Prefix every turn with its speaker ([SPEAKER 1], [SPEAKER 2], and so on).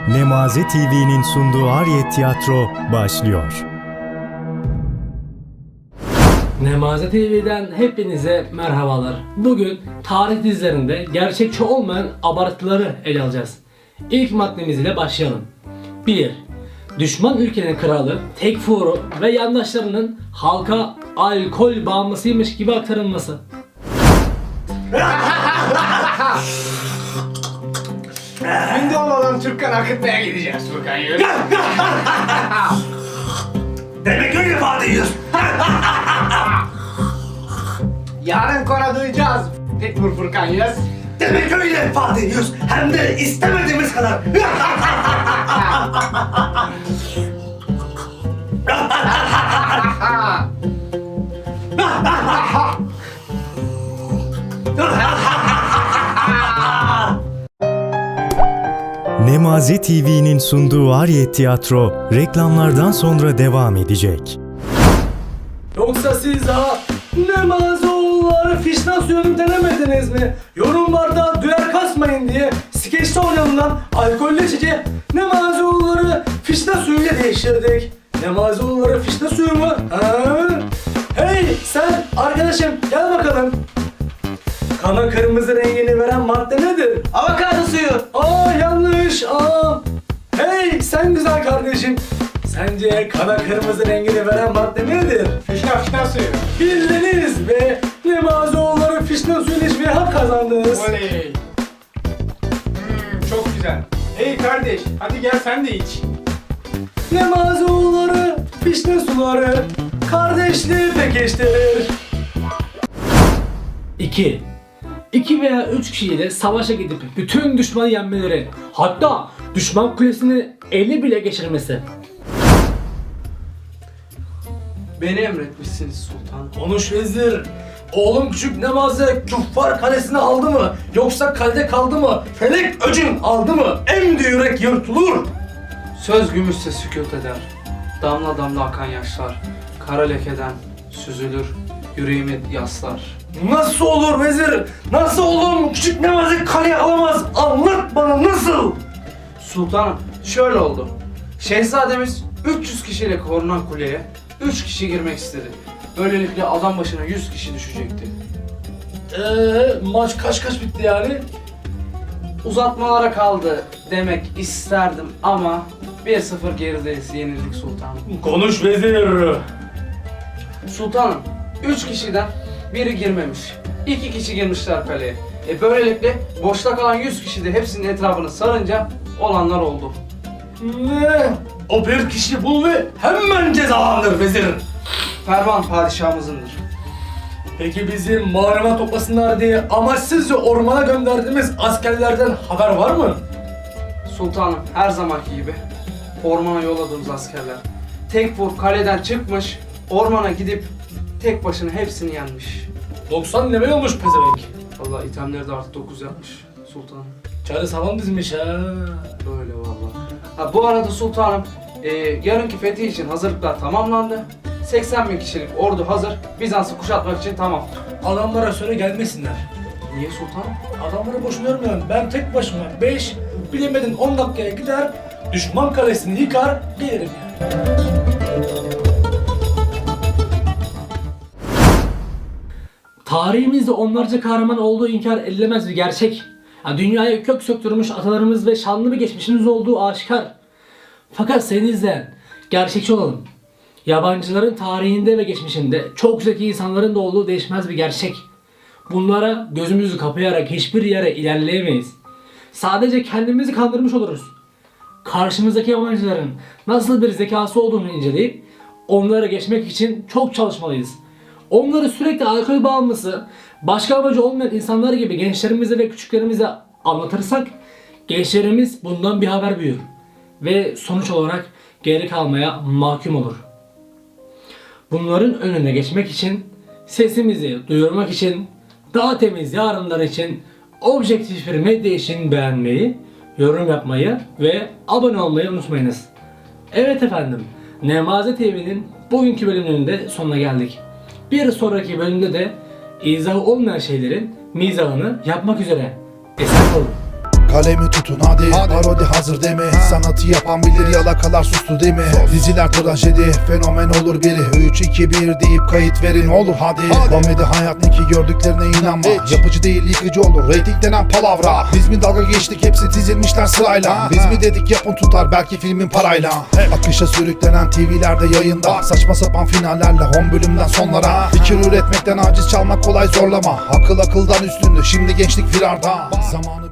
[SPEAKER 1] Nemaze TV'nin sunduğu Ariyet Tiyatro başlıyor.
[SPEAKER 2] Nemaze TV'den hepinize merhabalar. Bugün tarih dizilerinde gerçekçi olmayan abartıları ele alacağız. İlk maddemiz ile başlayalım. 1. Düşman ülkenin kralı Tekfur'u ve yandaşlarının halka alkol bağımlısıymış gibi aktarılması.
[SPEAKER 3] Şimdi olmadan Türkkan akıtmaya gideceğiz Furkan Yürü.
[SPEAKER 4] Demek öyle ifade ediyorsun.
[SPEAKER 3] Yarın kora duyacağız. Tekfur Furkan Yaz.
[SPEAKER 4] Demek öyle ifade ediyoruz. Hem de istemediğimiz kadar.
[SPEAKER 1] Nemaze TV'nin sunduğu Ariyet Tiyatro reklamlardan sonra devam edecek.
[SPEAKER 2] Yoksa siz daha Nemazoğulları fişnasyonu denemediniz mi? Yorumlarda duyar kasmayın diye skeçte oynanılan alkollü içeceği Nemazoğulları fişna suyuyla değiştirdik. Nemazoğulları fişna suyu mu? Ha? Hey sen arkadaşım gel bakalım. Kana kırmızı rengini veren madde nedir?
[SPEAKER 3] Avokado suyu.
[SPEAKER 2] Aa yanlış. Aa. Hey sen güzel kardeşim. Sence kana kırmızı rengini veren madde nedir?
[SPEAKER 3] Fişna suyu.
[SPEAKER 2] Bildiniz ve Nemazoğulları fişna suyunu içmeye hak kazandınız.
[SPEAKER 3] Oley. Çok güzel. Hey kardeş hadi gel sen de iç.
[SPEAKER 2] Nemazoğulları fişne suları kardeşliği pekiştirir. 2. 2 veya 3 kişiyle savaşa gidip bütün düşmanı yenmeleri, hatta düşman kulesini ele bile geçirmesi.
[SPEAKER 5] Beni emretmişsiniz sultan.
[SPEAKER 2] Konuş vezir. Oğlum küçük Nemaze küffar kalesini aldı mı? Yoksa kalede kaldı mı? Felek öcün aldı mı? Emdi yürek yırtılır.
[SPEAKER 5] Söz gümüşse sükût eder. Damla damla akan yaşlar. Kara lekeden süzülür. Yüreğimi yaslar.
[SPEAKER 2] Nasıl olur vezir? Nasıl olur? Küçük Nemaze kaleye alamaz. Anlat bana nasıl?
[SPEAKER 5] Sultanım şöyle oldu. Şehzademiz 300 kişiyle korunan kuleye 3 kişi girmek istedi. Böylelikle adam başına 100 kişi düşecekti.
[SPEAKER 2] Maç kaç bitti yani?
[SPEAKER 5] Uzatmalara kaldı demek isterdim ama 1-0 gerideyiz, yenildik sultanım.
[SPEAKER 2] Konuş vezir.
[SPEAKER 5] Sultanım 3 kişiden biri girmemiş. 2 kişi girmişler kaleye. Böylelikle boşta kalan 100 kişi de hepsinin etrafını sarınca olanlar oldu.
[SPEAKER 2] Ne? O bir kişi bul ve hemen cezalandır vezir.
[SPEAKER 5] Ferman padişahımızındır.
[SPEAKER 2] Peki bizi mağarama toplasınlar diye amaçsızca ormana gönderdiğimiz askerlerden haber var mı?
[SPEAKER 5] Sultanım her zamanki gibi ormana yolladığımız askerler Tekfur kaleden çıkmış, ormana gidip tek başına hepsini yenmiş.
[SPEAKER 2] 90 level olmuş pezevenk.
[SPEAKER 5] Vallahi itemleri de artı 9 yapmış sultanım.
[SPEAKER 2] Çare sağlam dizmiş ha.
[SPEAKER 5] Böyle vallahi. Ha, bu arada sultanım yarınki fethi için hazırlıklar tamamlandı. 80 bin kişilik ordu hazır. Bizans'ı kuşatmak için tamam.
[SPEAKER 2] Adamlara söyle gelmesinler.
[SPEAKER 5] Niye sultanım?
[SPEAKER 2] Adamları boşuna yormuyorum. Ben tek başıma 5, bilemedin 10 dakikaya gider, düşman kalesini yıkar, gelirim yani. Tarihimizde onlarca kahraman olduğu inkar edilemez bir gerçek. Yani dünyaya kök söktürmüş atalarımız ve şanlı bir geçmişimiz olduğu aşikar. Fakat sayın izleyen, gerçekçi olalım. Yabancıların tarihinde ve geçmişinde çok zeki insanların da olduğu değişmez bir gerçek. Bunlara gözümüzü kapayarak hiçbir yere ilerleyemeyiz. Sadece kendimizi kandırmış oluruz. Karşımızdaki yabancıların nasıl bir zekası olduğunu inceleyip onlara geçmek için çok çalışmalıyız. Onları sürekli alkol bağımlısı, başka amacı olmayan insanlar gibi gençlerimize ve küçüklerimize anlatırsak gençlerimiz bundan bir haber büyür ve sonuç olarak geri kalmaya mahkum olur. Bunların önüne geçmek için, sesimizi duyurmak için, daha temiz yarınlar için, objektif bir medya için beğenmeyi, yorum yapmayı ve abone olmayı unutmayınız. Evet efendim, Nemaze TV'nin bugünkü bölümünün de sonuna geldik. Bir sonraki bölümde de izahı olmayan şeylerin mizahını yapmak üzere. Esen olun.
[SPEAKER 6] Kalemi tutun hadi, parodi hazır değil mi? Sanatı yapan bilir, yalakalar sustu değil mi? Diziler trajedi, fenomen olur biri. 3, 2, 1 deyip kayıt verin olur hadi. Komedi hayat ne ki, gördüklerine inanma. Yapıcı değil yıkıcı olur, reyting denen palavra. Biz mi dalga geçtik, hepsi dizilmişler sırayla. Biz mi dedik yapın tutar, belki filmin parayla. Akışa sürüklenen TV'lerde yayında, saçma sapan finallerle 10 bölümden sonlara. Fikir üretmekten aciz, çalmak kolay zorlama. Akıl akıldan üstündü, şimdi gençlik firarda. Zamanı